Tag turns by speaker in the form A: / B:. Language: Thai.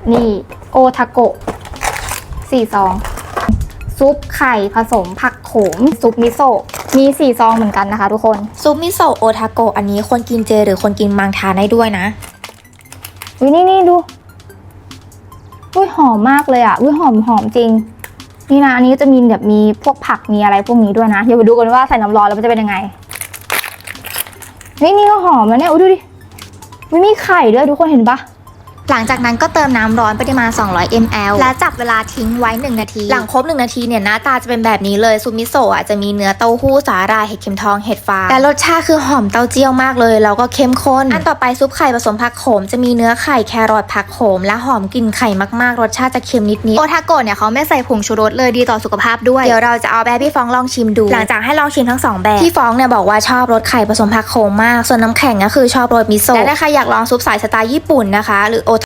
A: นี่โอทาโกะ4 ซองซุปไข่ผสมผักโขมซุปมิโซะมี4 ซองเหมือนกันนะคะทุกคน
B: ซุปมิโซะโอทาโกะอันนี้คนกินเจหรือคนกินมังทานได้ด้วยนะ
A: นี่ดูอุ้ยหอมมากเลยอ่ะอุ้ยหอมจริงนี่นะอันนี้จะมีแบบมีพวกผักมีอะไรพวกนี้ด้วยนะเดี๋ยวไปดูกันว่าใส่น้ำร้อนแล้วมันจะเป็นยังไงนี่ก็หอมแล้วเนี่ยอุ้ยดูดิไม่มีไข่ด้วยทุกคนเห็นปะ
B: หลังจากนั้นก็เติมน้ำร้อนปริมาณ200 ml และจับเวลาทิ้งไว้1 นาทีหลังครบ1 นาทีเนี่ยหน้าตาจะเป็นแบบนี้เลยซุปมิโซะจะมีเนื้อเต้าหู้สาหร่ายเห็ดเข็มทองเห็ดฟางแต่รสชาติคือหอมเต้าเจี้ยวมากเลยแล้วก็เข้มข้นอันต่อไปซุปไข่ผสมผักโขมจะมีเนื้อไข่แครอทผักโขมและหอมกลิ่นไข่มากๆรสชาติจะเค็มนิดๆโอทาโกะเนี่ยเขาไม่ใส่ผงชูรสเลยดีต่อสุขภาพด้วยเดี๋ยวเราจะเอาแบบพี่ฟองลองชิมดูหลังจากให้ลองชิมทั้ง2แบบพี่ฟองเนี่ยบอกว่าชอบรสไข่ผสมผักโขมมากส่วนน้ำแข็งก็คือชอบรสมิโซะและถ้าใครอยากลองซุปสายสไตล์ญี่ปุ่นนะคะหรือโอ